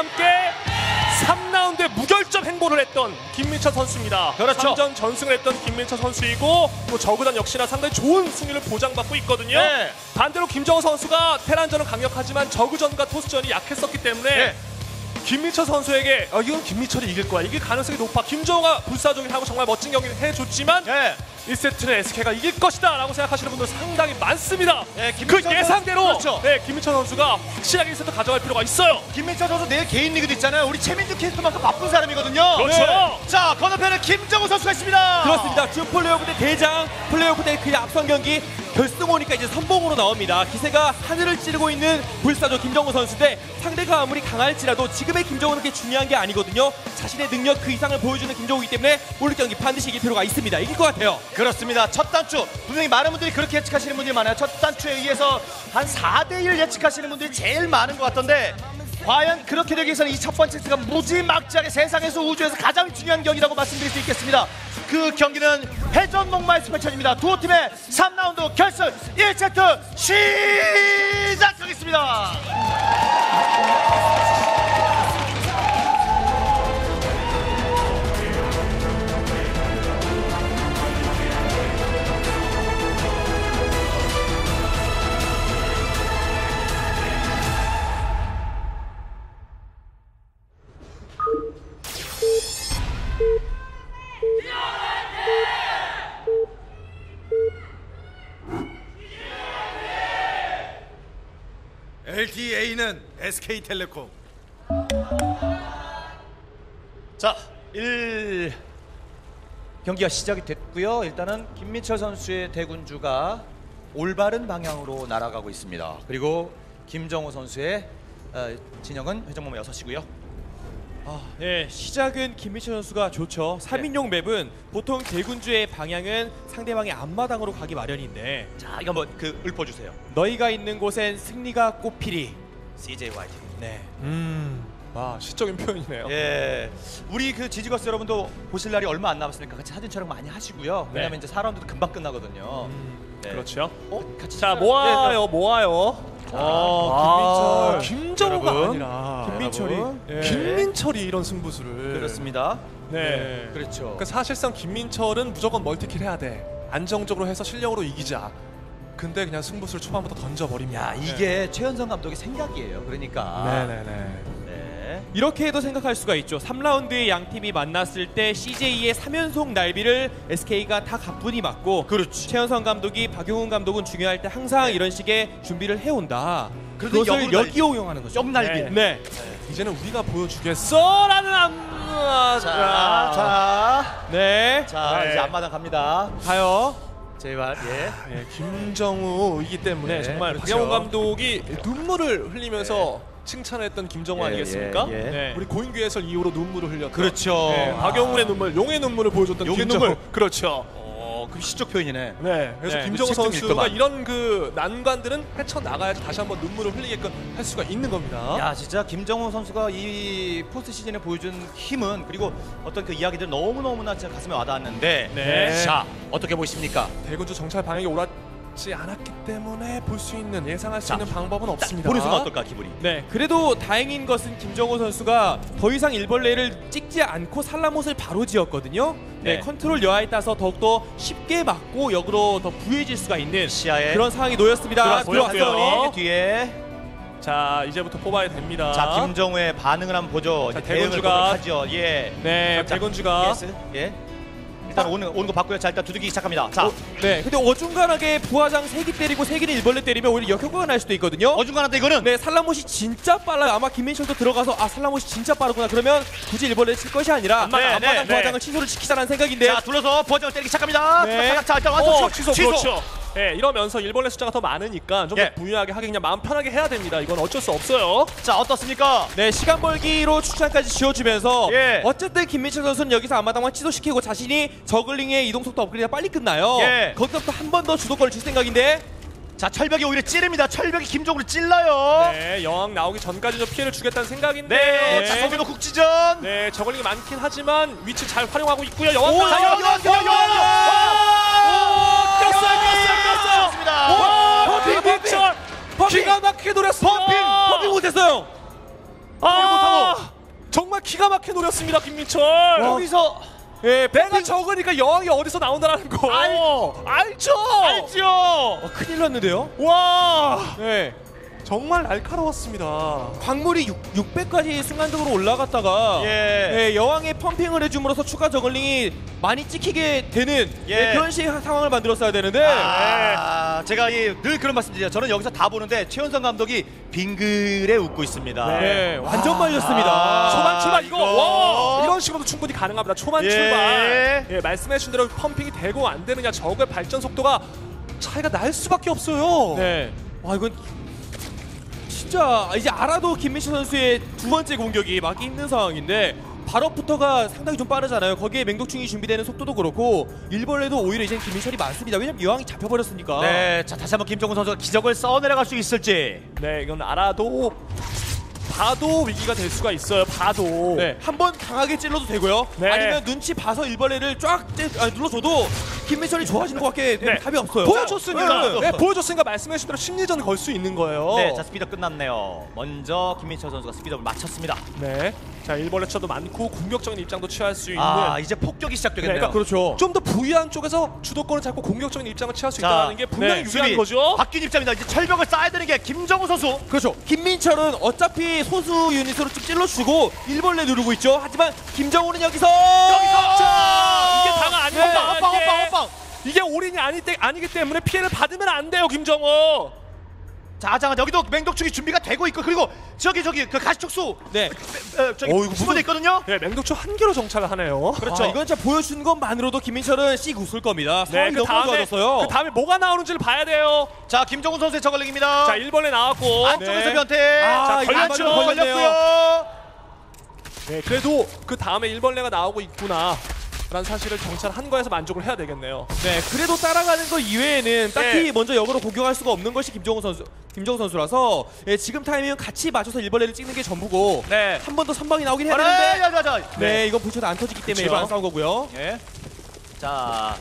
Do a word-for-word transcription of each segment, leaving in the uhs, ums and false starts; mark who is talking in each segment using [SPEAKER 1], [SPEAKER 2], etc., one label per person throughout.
[SPEAKER 1] 함께 삼 라운드에 무결점 행보를 했던 김민철 선수입니다.
[SPEAKER 2] 그렇죠.
[SPEAKER 1] 삼 전 전승을 했던 김민철 선수이고 또 저그전 역시나 상당히 좋은 승리를 보장받고 있거든요.
[SPEAKER 2] 네.
[SPEAKER 1] 반대로 김정우 선수가 테란전은 강력하지만 저그전과 토스전이 약했었기 때문에
[SPEAKER 2] 네.
[SPEAKER 1] 김민철 선수에게 어, 이건 김민철이 이길 거야. 이길 가능성이 높아. 김정우가 불사조긴 하고 정말 멋진 경기를 해줬지만
[SPEAKER 2] 네.
[SPEAKER 1] 일 세트는 에스케이가 이길 것이다 라고 생각하시는 분들 상당히 많습니다.
[SPEAKER 2] 네,
[SPEAKER 1] 그
[SPEAKER 2] 김민철
[SPEAKER 1] 예상대로
[SPEAKER 2] 그렇죠.
[SPEAKER 1] 네, 김민철 선수가 확실하게 일 세트 가져갈 필요가 있어요.
[SPEAKER 2] 김민철 선수 내일 개인 리그도 있잖아요. 우리 최민주 캐스터만큼 바쁜 사람이거든요.
[SPEAKER 1] 그렇죠.
[SPEAKER 2] 네. 자, 건너편에 김정우 선수가 있습니다.
[SPEAKER 3] 그렇습니다. 준 플레이오프 때 대장, 플레이오프 때 그 앞선 경기 결승 오니까 이제 선봉으로 나옵니다. 기세가 하늘을 찌르고 있는 불사조 김정우 선수인데 상대가 아무리 강할지라도 지금의 김정우는 그렇게 중요한 게 아니거든요. 자신의 능력 그 이상을 보여주는 김정우이기 때문에 오늘 경기 반드시 이길 필요가 있습니다. 이길 것 같아요.
[SPEAKER 2] 그렇습니다. 첫 단추 분명히 많은 분들이 그렇게 예측하시는 분들이 많아요. 첫 단추에 의해서 한 사 대 일 예측하시는 분들이 제일 많은 것 같던데 과연 그렇게 되기 위해서는 이 첫 번째 세트가 무지막지하게 세상에서 우주에서 가장 중요한 경기라고 말씀드릴 수 있겠습니다. 그 경기는 회전 목마에서 펼쳐집니다. 두 팀의 삼 라운드 결승 일 세트 시작하겠습니다.
[SPEAKER 4] 엘티에이는 에스케이텔레콤.
[SPEAKER 2] 자, 일 경기가 시작이 됐고요. 일단은 김민철 선수의 대군주가 올바른 방향으로 날아가고 있습니다. 그리고 김정우 선수의 어, 진영은 회전목마 여섯 이고요.
[SPEAKER 3] 아, 네, 시작은 김민철 선수가 좋죠. 삼 인용 맵은 보통 대군주의 방향은 상대방의 앞마당으로 가기 마련인데
[SPEAKER 2] 자, 이거 한번 그 읊어주세요.
[SPEAKER 3] 너희가 있는 곳엔 승리가 꽃피리.
[SPEAKER 2] 씨제이 화이팅.
[SPEAKER 3] 네.
[SPEAKER 1] 음, 아 시적인 표현이네요.
[SPEAKER 2] 예, 우리 그 지지거스 여러분도 보실 날이 얼마 안 남았으니까 같이 사진 촬영 많이 하시고요.
[SPEAKER 1] 네.
[SPEAKER 2] 왜냐면 이제 사 라운드도 금방 끝나거든요.
[SPEAKER 1] 음,
[SPEAKER 2] 네.
[SPEAKER 1] 그렇죠.
[SPEAKER 2] 어? 같이
[SPEAKER 1] 자,
[SPEAKER 2] 촬영-
[SPEAKER 1] 모아요, 모아요.
[SPEAKER 3] 아,
[SPEAKER 1] 아, 김정우가
[SPEAKER 2] 여러분.
[SPEAKER 1] 아니라
[SPEAKER 3] 김민철이. 네.
[SPEAKER 1] 김민철이 이런 승부수를.
[SPEAKER 2] 그렇습니다.
[SPEAKER 1] 네.
[SPEAKER 2] 그렇죠.
[SPEAKER 1] 그러니까 사실상 김민철은 무조건 멀티킬 해야 돼. 안정적으로 해서 실력으로 이기자. 근데 그냥 승부수를 초반부터 던져버립니다.
[SPEAKER 2] 야, 이게 최현성 감독의 생각이에요. 그러니까.
[SPEAKER 1] 네네네.
[SPEAKER 2] 네.
[SPEAKER 3] 이렇게 해도 생각할 수가 있죠. 삼 라운드에 양 팀이 만났을 때 씨제이의 삼 연속 날비를 에스케이가 다 가뿐히 맞고
[SPEAKER 2] 그렇지.
[SPEAKER 3] 최현성 감독이 박용훈 감독은 중요할 때 항상
[SPEAKER 2] 네.
[SPEAKER 3] 이런 식의 준비를 해온다.
[SPEAKER 2] 그래도
[SPEAKER 3] 그것을
[SPEAKER 2] 역으로
[SPEAKER 3] 역이용하는 거죠.
[SPEAKER 2] 옆날비.
[SPEAKER 1] 네.
[SPEAKER 3] 네.
[SPEAKER 1] 이제는 우리가 보여주겠어라는 안.
[SPEAKER 2] 자, 자,
[SPEAKER 3] 네.
[SPEAKER 2] 자,
[SPEAKER 1] 네.
[SPEAKER 2] 이제 앞마당 갑니다.
[SPEAKER 3] 가요.
[SPEAKER 2] 제발, 예.
[SPEAKER 1] 예, 김정우이기 때문에
[SPEAKER 2] 네,
[SPEAKER 1] 정말
[SPEAKER 2] 그렇죠.
[SPEAKER 1] 박영훈 감독이 눈물을 흘리면서 칭찬했던 김정우
[SPEAKER 2] 예,
[SPEAKER 1] 아니겠습니까?
[SPEAKER 2] 예, 예.
[SPEAKER 3] 네.
[SPEAKER 1] 우리 고인규 해설 이후로 눈물을 흘렸던.
[SPEAKER 2] 그렇죠.
[SPEAKER 1] 네, 박영훈의 눈물, 용의 눈물을 보여줬던
[SPEAKER 2] 용의
[SPEAKER 1] 김정우.
[SPEAKER 2] 눈물.
[SPEAKER 1] 그렇죠.
[SPEAKER 2] 어, 그 시적 표현이네.
[SPEAKER 1] 네, 그래서
[SPEAKER 3] 네,
[SPEAKER 1] 김정우
[SPEAKER 2] 그 책 좀
[SPEAKER 1] 선수가
[SPEAKER 2] 읽더만.
[SPEAKER 1] 이런 그 난관들은 헤쳐나가야지 다시 한번 눈물을 흘리게끔 할 수가 있는 겁니다.
[SPEAKER 2] 야, 진짜 김정우 선수가 이 포스트 시즌에 보여준 힘은 그리고 어떤 그 이야기들 너무너무나 진짜 가슴에 와닿았는데
[SPEAKER 1] 네.
[SPEAKER 2] 자, 어떻게 보십니까?
[SPEAKER 1] 대군주 정찰 방향이 옳았지 않았기 때문에 볼 수 있는, 예상할 수
[SPEAKER 2] 자,
[SPEAKER 1] 있는 방법은 없습니다.
[SPEAKER 2] 보는 순간 어떨까, 기분이?
[SPEAKER 3] 네, 그래도 다행인 것은 김정우 선수가 더 이상 일벌레를 찍지 않고 살라못을 바로 지었거든요. 네,
[SPEAKER 2] 네.
[SPEAKER 3] 컨트롤 여하에 따라서 더욱더 쉽게 맞고 역으로 더 부유해질 수가 있는
[SPEAKER 2] 시야에
[SPEAKER 3] 그런 상황이 놓였습니다.
[SPEAKER 1] 들어왔고요.
[SPEAKER 3] 들어왔어요.
[SPEAKER 2] 뒤에
[SPEAKER 1] 자, 이제부터 뽑아야 됩니다.
[SPEAKER 2] 자, 김정우의 반응을 한번 보죠.
[SPEAKER 1] 자,
[SPEAKER 2] 이제 대응을
[SPEAKER 1] 대군주가-
[SPEAKER 2] 하죠. 예.
[SPEAKER 1] 네,
[SPEAKER 2] 자,
[SPEAKER 1] 대군주가
[SPEAKER 2] 예스. 예. 일단 오는 오는 거 봤고요. 자, 일단 두들기기 시작합니다. 자,
[SPEAKER 3] 어, 네, 근데 어중간하게 부하장 세 개 때리고 세 개는 일벌레 때리면 오히려 역효과가 날 수도 있거든요.
[SPEAKER 2] 어중간한데 이거는
[SPEAKER 3] 네, 살라못이 진짜 빨라요. 아마 김민철도 들어가서 아 살라못이 진짜 빠르구나. 그러면 굳이 일벌레 칠 것이 아니라
[SPEAKER 1] 앞마당,
[SPEAKER 2] 네,
[SPEAKER 3] 앞마당
[SPEAKER 2] 네,
[SPEAKER 3] 부하장을
[SPEAKER 2] 네.
[SPEAKER 3] 취소를 시키자는 생각인데.
[SPEAKER 2] 자, 둘러서 버전을 때리기 시작합니다.
[SPEAKER 3] 네.
[SPEAKER 2] 자, 일단 완전
[SPEAKER 1] 어, 취소,
[SPEAKER 2] 취소.
[SPEAKER 1] 그렇죠. 예, 이러면서 일벌레 숫자가 더 많으니까 좀 더
[SPEAKER 2] 예.
[SPEAKER 1] 부유하게 하게 그냥 마음 편하게 해야 됩니다. 이건 어쩔 수 없어요.
[SPEAKER 2] 자, 어떻습니까?
[SPEAKER 3] 네, 시간 벌기로 추천까지 지어주면서
[SPEAKER 2] 예.
[SPEAKER 3] 어쨌든 김민철 선수는 여기서 앞마당만 취소시키고 자신이 저글링의 이동 속도 업그레이드가 빨리 끝나요.
[SPEAKER 2] 예.
[SPEAKER 3] 거기서부터 한 번 더 주도권을 줄 생각인데.
[SPEAKER 2] 자, 철벽이 오히려 찌릅니다. 철벽이 김종우를 찔러요.
[SPEAKER 1] 네, 여왕 나오기 전까지 좀 피해를 주겠다는 생각인데.
[SPEAKER 2] 네. 자, 서민호 국지전.
[SPEAKER 1] 네, 저글링이 많긴 하지만 위치 잘 활용하고 있고요. 여왕
[SPEAKER 2] 오,
[SPEAKER 1] 나오기
[SPEAKER 2] 여왕, 여왕, 여왕, 여왕.
[SPEAKER 1] 꼈어요, 꼈어요, 꼈어요.
[SPEAKER 2] 좋습니다.
[SPEAKER 1] 와,
[SPEAKER 3] 퍼핑,
[SPEAKER 1] 김민철.
[SPEAKER 3] 기가 막히게 노렸어.
[SPEAKER 2] 퍼핑,
[SPEAKER 3] 퍼핑 못했어요.
[SPEAKER 1] 아, 기가 막히게 노렸습니다 김민철.
[SPEAKER 2] 여기서
[SPEAKER 1] 예, 배가 적으니까 여왕이 어디서 나온다는 거
[SPEAKER 2] 알-
[SPEAKER 1] 알죠?
[SPEAKER 2] 알죠.
[SPEAKER 3] 어, 큰일 났는데요.
[SPEAKER 1] 와,
[SPEAKER 3] 네.
[SPEAKER 1] 정말 날카로웠습니다.
[SPEAKER 3] 광물이 육백까지 순간적으로 올라갔다가
[SPEAKER 2] 예.
[SPEAKER 3] 네, 여왕의 펌핑을 해줌으로써 추가 저글링이 많이 찍히게 되는
[SPEAKER 2] 예.
[SPEAKER 3] 네, 그런 식의 상황을 만들었어야 되는데
[SPEAKER 2] 아, 제가 이, 늘 그런 말씀드려요. 저는 여기서 다 보는데 최은성 감독이 빙글에 웃고 있습니다.
[SPEAKER 3] 네, 완전 말렸습니다.
[SPEAKER 1] 초반 출발 이거,
[SPEAKER 2] 이거.
[SPEAKER 1] 와, 이런 식으로도 충분히 가능합니다. 초반
[SPEAKER 2] 예.
[SPEAKER 1] 출발. 예, 말씀해주신 대로 펌핑이 되고 안 되느냐 적의 발전 속도가 차이가 날 수밖에 없어요.
[SPEAKER 3] 네. 와 이건 진짜 이제 알아도 김민철 선수의 두 번째 공격이 막기 힘든 상황인데 발업부터가 상당히 좀 빠르잖아요. 거기에 맹독충이 준비되는 속도도 그렇고 일벌레도 오히려 이제 김민철이 많습니다. 왜냐면 여왕이 잡혀버렸으니까.
[SPEAKER 2] 네, 자 다시 한번 김정훈 선수가 기적을 써내려갈 수 있을지.
[SPEAKER 1] 네, 이건 알아도 봐도 위기가 될 수가 있어요. 봐도.
[SPEAKER 3] 네, 한번 강하게 찔러도 되고요.
[SPEAKER 1] 네.
[SPEAKER 3] 아니면 눈치 봐서 일벌레를 쫙 찌, 아니, 눌러줘도 김민철이 좋아지는 것밖에
[SPEAKER 1] 네.
[SPEAKER 3] 답이 없어요.
[SPEAKER 1] 보여줬으니까,
[SPEAKER 3] 네.
[SPEAKER 1] 네, 보여줬으니까 말씀해주신 대로 심리전 걸 수 있는 거예요.
[SPEAKER 2] 네, 자 스피드 끝났네요. 먼저 김민철 선수가 스피드업을 마쳤습니다.
[SPEAKER 1] 네. 자, 일벌레 차도 많고 공격적인 입장도 취할 수 있는.
[SPEAKER 2] 아, 이제 폭격이 시작되겠네요.
[SPEAKER 1] 그러니까
[SPEAKER 3] 그렇죠.
[SPEAKER 1] 좀 더 부유한 쪽에서 주도권을 잡고 공격적인 입장을 취할 수
[SPEAKER 2] 자,
[SPEAKER 1] 있다는 게 분명히
[SPEAKER 2] 네,
[SPEAKER 1] 유리한
[SPEAKER 2] 수비.
[SPEAKER 1] 거죠.
[SPEAKER 2] 바뀐 입장입니다. 이제 철벽을 쌓아야 되는 게 김정우 선수.
[SPEAKER 3] 그렇죠. 김민철은 어차피 소수 유닛으로 좀 찔러주고 일벌레 누르고 있죠. 하지만 김정우는 여기서
[SPEAKER 2] 여기서!
[SPEAKER 1] 자, 이게 다가 아니에요.
[SPEAKER 2] 헛방, 헛방,
[SPEAKER 1] 이게.
[SPEAKER 2] 헛방, 헛방.
[SPEAKER 1] 이게 올인이 아니 때, 아니기 때문에 피해를 받으면 안 돼요, 김정호.
[SPEAKER 2] 자, 자, 여기도 맹독충이 준비가 되고 있고 그리고 저기 저기 그 가시촉수.
[SPEAKER 3] 네.
[SPEAKER 2] 어, 저기
[SPEAKER 1] 어, 이거
[SPEAKER 2] 숨어져 있거든요.
[SPEAKER 1] 네, 맹독초 한 개로 정찰을 하네요.
[SPEAKER 2] 그렇죠.
[SPEAKER 3] 아, 이건 진짜 보여준 것만으로도 김민철은 씩 웃을 겁니다. 상황이
[SPEAKER 1] 네, 그
[SPEAKER 3] 너무
[SPEAKER 1] 다음에
[SPEAKER 3] 좋아졌어요.
[SPEAKER 1] 그 다음에 뭐가 나오는지를 봐야 돼요.
[SPEAKER 2] 자, 김정훈 선수의 저글링입니다.
[SPEAKER 1] 자, 일벌레 나왔고.
[SPEAKER 2] 안쪽에서
[SPEAKER 3] 네.
[SPEAKER 2] 변태.
[SPEAKER 3] 아,
[SPEAKER 2] 자,
[SPEAKER 3] 이거
[SPEAKER 2] 걸렸죠.
[SPEAKER 3] 맞아요.
[SPEAKER 2] 걸렸고요.
[SPEAKER 1] 네, 그래도 그 다음에 일벌레가 나오고 있구나. 라는 사실을 정찰한 거에서 만족을 해야 되겠네요.
[SPEAKER 3] 네, 그래도 따라가는 거 이외에는 딱히
[SPEAKER 1] 네.
[SPEAKER 3] 먼저 역으로 공격할 수가 없는 것이 김정우 선수, 김정우 선수라서 예, 지금 타이밍은 같이 맞춰서 일벌레를 찍는 게 전부고
[SPEAKER 2] 네.
[SPEAKER 3] 한 번 더 선방이 나오긴 해야
[SPEAKER 2] 네,
[SPEAKER 3] 되는데
[SPEAKER 2] 자, 자, 자.
[SPEAKER 3] 네, 이건 부처도 안 터지기 때문에
[SPEAKER 1] 그쵸.
[SPEAKER 3] 일반 안 싸운 거고요.
[SPEAKER 2] 예. 자.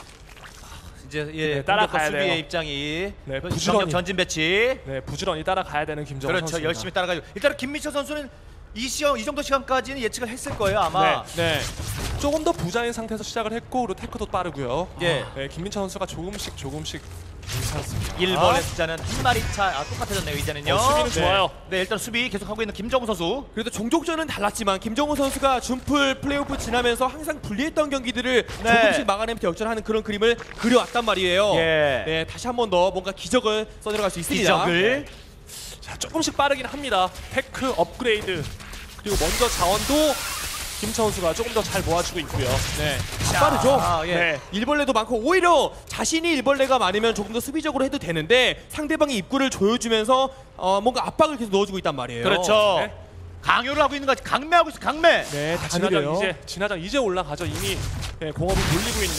[SPEAKER 2] 이제 예,
[SPEAKER 1] 네, 따라가야
[SPEAKER 2] 공격과 수비의
[SPEAKER 1] 돼요.
[SPEAKER 2] 입장이
[SPEAKER 1] 네,
[SPEAKER 2] 그
[SPEAKER 1] 부지런히.
[SPEAKER 2] 전력 전진 배치.
[SPEAKER 1] 네, 부지런히 따라가야 되는 김정호
[SPEAKER 2] 그렇죠.
[SPEAKER 1] 선수입니다.
[SPEAKER 2] 열심히 따라가요. 일단은 김민철 선수는 이 시험 이 정도 시간까지는 예측을 했을 거예요, 아마.
[SPEAKER 3] 네.
[SPEAKER 1] 조금 더 부자인 상태에서 시작을 했고 그리고 테크도 빠르고요.
[SPEAKER 2] 예.
[SPEAKER 1] 네, 김민철 선수가 조금씩 조금씩 괜찮습니다.
[SPEAKER 2] 일 번의 숫자는 한 마리 차. 아, 똑같아졌네요, 이제는요.
[SPEAKER 1] 어, 수비는
[SPEAKER 2] 네.
[SPEAKER 1] 좋아요.
[SPEAKER 2] 네, 일단 수비 계속하고 있는 김정우 선수.
[SPEAKER 3] 그래도 종족전은 달랐지만 김정우 선수가 준풀 플레이오프 지나면서 항상 불리했던 경기들을
[SPEAKER 2] 네.
[SPEAKER 3] 조금씩 막아내면서 역전하는 그런 그림을 그려왔단 말이에요.
[SPEAKER 2] 예.
[SPEAKER 3] 네, 다시 한 번 더 뭔가 기적을 써내려갈 수 있습니다.
[SPEAKER 2] 기적을.
[SPEAKER 1] 자, 조금씩 빠르긴 합니다. 테크 업그레이드 그리고 먼저 자원도 김철 선수가 조금 더 잘 모아주고 있고요.
[SPEAKER 3] 네,
[SPEAKER 2] 자,
[SPEAKER 3] 다 빠르죠.
[SPEAKER 2] 아, 예.
[SPEAKER 1] 네.
[SPEAKER 3] 일벌레도 많고 오히려 자신이 일벌레가 많으면 조금 더 수비적으로 해도 되는데 상대방이 입구를 조여주면서 어, 뭔가 압박을 계속 넣어주고 있단 말이에요.
[SPEAKER 2] 그렇죠.
[SPEAKER 1] 네.
[SPEAKER 2] 강요를 하고 있는 거지. 강매하고 있어, 강매.
[SPEAKER 3] 네, 다
[SPEAKER 1] 아, 진화장
[SPEAKER 3] 지르려요.
[SPEAKER 1] 이제 진화장 이제 올라가죠. 이미 네, 공업을 돌리고 있는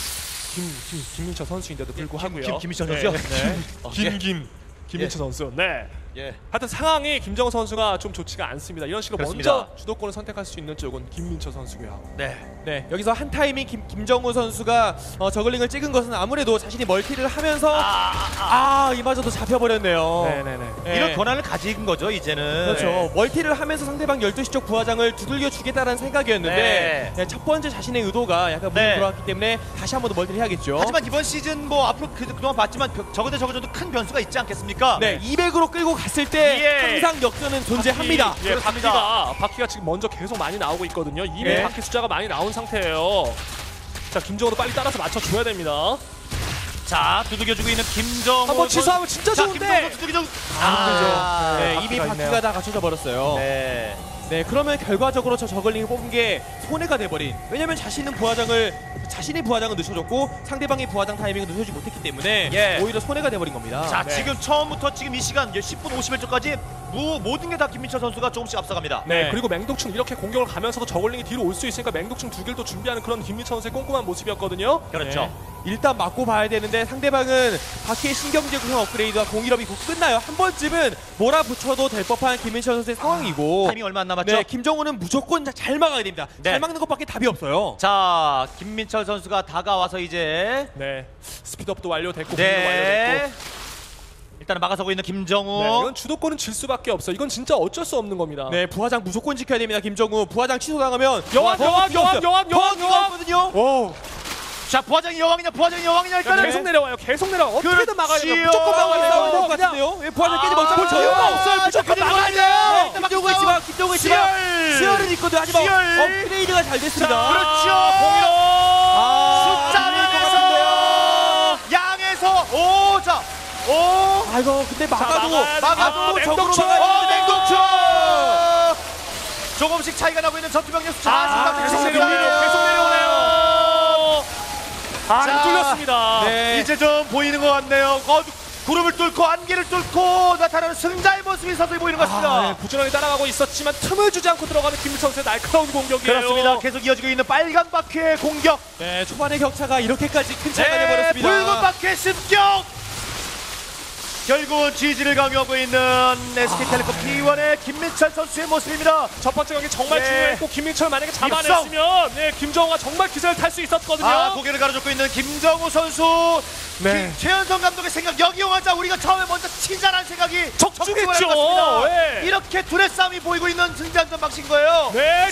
[SPEAKER 1] 김, 김 김민철 선수인데도 불구하고요.
[SPEAKER 2] 김- 김민철 선수요?
[SPEAKER 1] 네.
[SPEAKER 2] 어,
[SPEAKER 1] 김 김 김민철 선수. 네.
[SPEAKER 2] 예.
[SPEAKER 1] 하여튼 상황이 김정우 선수가 좀 좋지가 않습니다. 이런 식으로
[SPEAKER 2] 그렇습니다.
[SPEAKER 1] 먼저 주도권을 선택할 수 있는 쪽은 김민철 선수고요.
[SPEAKER 2] 네.
[SPEAKER 3] 네, 여기서 한 타이밍 김, 김정우 선수가 어, 저글링을 찍은 것은 아무래도 자신이 멀티를 하면서
[SPEAKER 2] 아, 아,
[SPEAKER 3] 아, 이마저도 잡혀버렸네요.
[SPEAKER 1] 네네네.
[SPEAKER 3] 네.
[SPEAKER 2] 이런 권한을 가진 거죠, 이제는.
[SPEAKER 3] 그렇죠.
[SPEAKER 1] 네.
[SPEAKER 3] 멀티를 하면서 상대방 열두 시 쪽 부하장을 두들겨 주겠다는 생각이었는데
[SPEAKER 2] 네.
[SPEAKER 3] 네, 첫 번째 자신의 의도가 약간 문이
[SPEAKER 2] 네.
[SPEAKER 3] 들어왔기 때문에 다시 한 번 더 멀티를 해야겠죠.
[SPEAKER 2] 하지만 이번 시즌 뭐 앞으로 그, 그동안 봤지만 벼- 적어도 적어도 큰 변수가 있지 않겠습니까?
[SPEAKER 3] 네, 이백으로 끌고 갔을 때
[SPEAKER 2] 예.
[SPEAKER 3] 항상 역전은 존재합니다.
[SPEAKER 1] 바퀴, 예,
[SPEAKER 2] 그렇습니다.
[SPEAKER 1] 바퀴가 바퀴가 지금 먼저 계속 많이 나오고 있거든요. 이미
[SPEAKER 3] 예.
[SPEAKER 1] 바퀴 숫자가 많이 나온 상태예요. 자, 김정우도 빨리 따라서 맞춰줘야 됩니다.
[SPEAKER 2] 자, 두들겨주고 있는 김정우.
[SPEAKER 1] 한번 취소하면 진짜
[SPEAKER 2] 자,
[SPEAKER 1] 좋은데.
[SPEAKER 2] 김정우 두들겨주고. 아,
[SPEAKER 3] 네,
[SPEAKER 1] 네,
[SPEAKER 3] 이미
[SPEAKER 1] 바퀴가
[SPEAKER 3] 바퀴가
[SPEAKER 1] 있네요.
[SPEAKER 3] 다 갖춰져 버렸어요. 네.
[SPEAKER 2] 네.
[SPEAKER 3] 그러면 결과적으로 저 저글링을 뽑은 게 손해가 돼버린. 왜냐면 자신은 부하장을 자신의 부하장을 늦춰줬고 상대방의 부하장 타이밍을 늦춰주지 못했기 때문에
[SPEAKER 2] 예.
[SPEAKER 3] 오히려 손해가 돼버린 겁니다.
[SPEAKER 2] 자,
[SPEAKER 1] 네.
[SPEAKER 2] 지금 처음부터 지금 이 시간 십 분 오십일 초까지 무, 모든 게 다 김민철 선수가 조금씩 앞서갑니다.
[SPEAKER 1] 네,
[SPEAKER 3] 네.
[SPEAKER 1] 그리고 맹독충 이렇게 공격을 가면서도 저글링이 뒤로 올 수 있으니까 맹독충 두 개를 또 준비하는 그런 김민철 선수의 꼼꼼한 모습이었거든요.
[SPEAKER 2] 그렇죠.
[SPEAKER 3] 네. 일단 맞고 봐야 되는데 상대방은 바퀴의 신경제 구성 업그레이드와 공일업이 곧 끝나요. 한 번쯤은 몰아붙여도 될 법한 김민철 선수의 상황이고
[SPEAKER 2] 타이밍 얼마 안 남았죠?
[SPEAKER 3] 네, 김정우는 무조건 잘 막아야 됩니다.
[SPEAKER 2] 네.
[SPEAKER 3] 잘 막는 것밖에 답이 없어요.
[SPEAKER 2] 자, 김민철 선수가 다가와서 이제
[SPEAKER 1] 네, 스피드업도 완료됐고 공격도
[SPEAKER 2] 네.
[SPEAKER 1] 완료됐고
[SPEAKER 2] 일단은 막아서고 있는 김정우.
[SPEAKER 1] 네, 이건 주도권은 질 수밖에 없어. 이건 진짜 어쩔 수 없는 겁니다.
[SPEAKER 3] 네, 부화장 무조건 지켜야 됩니다. 김정우 부화장 취소당하면
[SPEAKER 1] 여왕, 여왕, 여왕, 여왕, 여왕, 여왕.
[SPEAKER 3] 거든요.
[SPEAKER 1] 오,
[SPEAKER 2] 자, 부화장이 여왕이냐, 부화장이 여왕이냐 일단은
[SPEAKER 1] 계속 내려와요. 계속 내려와. 어떻게든 막아야 돼요.
[SPEAKER 2] 그렇지요.
[SPEAKER 1] 무조건 막아야 돼요.
[SPEAKER 3] 싸워야 될 것
[SPEAKER 1] 그냥.
[SPEAKER 3] 같은데요. 예, 부화장 깨지 못하고
[SPEAKER 1] 볼 이유가 없어요. 무조건 막아야 돼요.
[SPEAKER 3] 김정우 씨와 김정우 씨와
[SPEAKER 2] 수열.
[SPEAKER 3] 수열은 있거든. 하지만
[SPEAKER 2] 수열.
[SPEAKER 3] 업그레이드가 잘 됐습니다.
[SPEAKER 2] 그렇죠.
[SPEAKER 1] 공이로.
[SPEAKER 3] 아,
[SPEAKER 2] 숫자
[SPEAKER 3] 밀릴 것 같은데요.
[SPEAKER 2] 양에서 오, 자, 오,
[SPEAKER 3] 아이고, 근데 막아도
[SPEAKER 1] 막아야 돼.
[SPEAKER 3] 막아도
[SPEAKER 1] 아,
[SPEAKER 3] 적으로
[SPEAKER 1] 맹독충.
[SPEAKER 3] 막아야
[SPEAKER 2] 어,
[SPEAKER 3] 되는데
[SPEAKER 2] 맹독충. 조금씩 차이가 나고 있는 전투병력 숫자.
[SPEAKER 1] 아, 계속 내려오네요. 계속 내려오네요. 아,
[SPEAKER 2] 자,
[SPEAKER 1] 이거 뚫렸습니다.
[SPEAKER 3] 네.
[SPEAKER 2] 이제 좀 보이는 것 같네요. 어, 구름을 뚫고 안개를 뚫고 나타나는 승자의 모습이 서서히 보이는 것 같습니다.
[SPEAKER 1] 아, 네, 부지런히 따라가고 있었지만 틈을 주지 않고 들어가는 김민철 선수의 날카로운 공격이에요.
[SPEAKER 2] 그렇습니다. 계속 이어지고 있는 빨간 바퀴의 공격.
[SPEAKER 3] 네, 초반의 격차가 이렇게까지 큰 차이가
[SPEAKER 2] 네,
[SPEAKER 3] 돼버렸습니다.
[SPEAKER 2] 붉은 바퀴의 습격. 결국은 지지를 강요하고 있는 에스케이텔레콤 티 원의 김민철 선수의 모습입니다.
[SPEAKER 1] 첫 번째 경기 정말
[SPEAKER 2] 네.
[SPEAKER 1] 중요했고 김민철 만약에 잡아냈으면 네, 김정우가 정말 기세를 탈 수 있었거든요.
[SPEAKER 2] 아, 고개를 가로젓고 있는 김정우 선수.
[SPEAKER 1] 네.
[SPEAKER 2] 기- 최현성 감독의 생각 역이용하자. 우리가 처음에 먼저 치자라는 생각이
[SPEAKER 1] 적중했죠.
[SPEAKER 2] 적중을 한 것 같습니다.
[SPEAKER 1] 네.
[SPEAKER 2] 이렇게 둘의 싸움이 보이고 있는 승자전 방식인 거예요.
[SPEAKER 1] 네,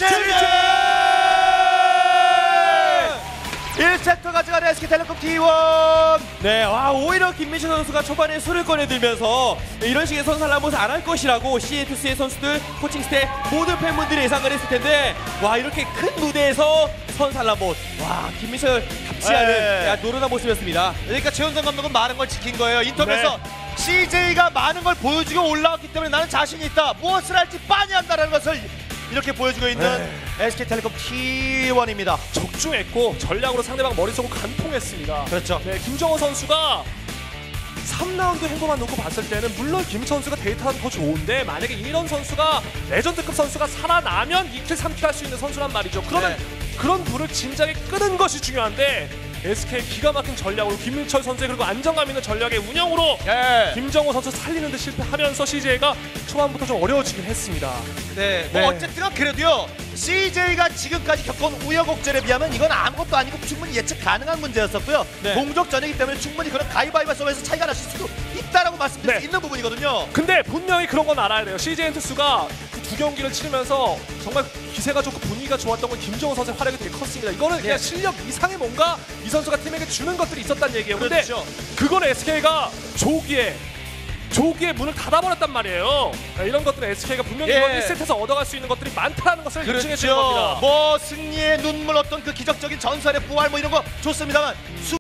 [SPEAKER 2] 일 세트 가져가는 에스케이텔레콤 티 원.
[SPEAKER 3] 네, 와 오히려 김민철 선수가 초반에 술을 꺼내들면서 이런 식의 선사를 한번 안 할 것이라고 씨에이투씨의 선수들, 코칭 스태 모든 팬분들이 예상을 했을 텐데 와 이렇게 큰 무대에서 선살라못 와 김민철 답지 않은
[SPEAKER 2] 네.
[SPEAKER 3] 야, 노련한 모습이었습니다.
[SPEAKER 2] 그러니까 최현성 감독은 많은 걸 지킨 거예요. 인터뷰에서 씨제이가 많은 걸 보여주고 올라왔기 때문에 나는 자신이 있다. 무엇을 할지 빤히 한다는 것을 이렇게 보여주고 있는 에스케이텔레콤 티 원입니다.
[SPEAKER 1] 적중했고 전략으로 상대방 머릿속을 간통했습니다.
[SPEAKER 2] 그렇죠.
[SPEAKER 1] 네, 김정호 선수가 삼 라운드 행보만 놓고 봤을 때는 물론 김 선수가 데이터는 더 좋은데 만약에 이런 선수가 레전드급 선수가 살아나면 이 킬 삼 킬 할 수 있는 선수란 말이죠. 그러면 그런 불을 진작에 끄는 것이 중요한데 에스케이 기가 막힌 전략으로 김민철 선수의 그리고 안정감 있는 전략의 운영으로
[SPEAKER 2] 예.
[SPEAKER 1] 김정호 선수 살리는 데 실패하면서 씨제이가 초반부터 좀 어려워지긴 했습니다.
[SPEAKER 2] 네. 뭐
[SPEAKER 1] 네.
[SPEAKER 2] 어쨌든 그래도요. 씨제이가 지금까지 겪은 우여곡절에 비하면 이건 아무것도 아니고 충분히 예측 가능한 문제였었고요.
[SPEAKER 3] 네.
[SPEAKER 2] 동족 전이기 때문에 충분히 그런 가위바위보 싸움에서 차이가 날 수도 있다라고 말씀드릴
[SPEAKER 1] 네.
[SPEAKER 2] 수 있는 부분이거든요.
[SPEAKER 1] 근데 분명히 그런 건 알아야 돼요. 씨제이 엔투스가 그 두 경기를 치르면서 정말 기세가 좋고 분위기가 좋았던 건 김정호 선수의 활약이 되게 컸습니다. 이거는 그냥
[SPEAKER 2] 네.
[SPEAKER 1] 실력 이상의 뭔가 이 선수가 팀에게 주는 것들이 있었다는 얘기예요. 근데
[SPEAKER 2] 그렇죠.
[SPEAKER 1] 그건 에스케이가 조기에 조기에 문을 닫아버렸단 말이에요. 그러니까 이런 것들은 에스케이가 분명히
[SPEAKER 2] 예.
[SPEAKER 1] 이번 일 세트에서 얻어갈 수 있는 것들이 많다는 것을 입증해 주는 겁니다.
[SPEAKER 2] 뭐 승리의 눈물 어떤 그 기적적인 전설의 부활 뭐 이런 거 좋습니다만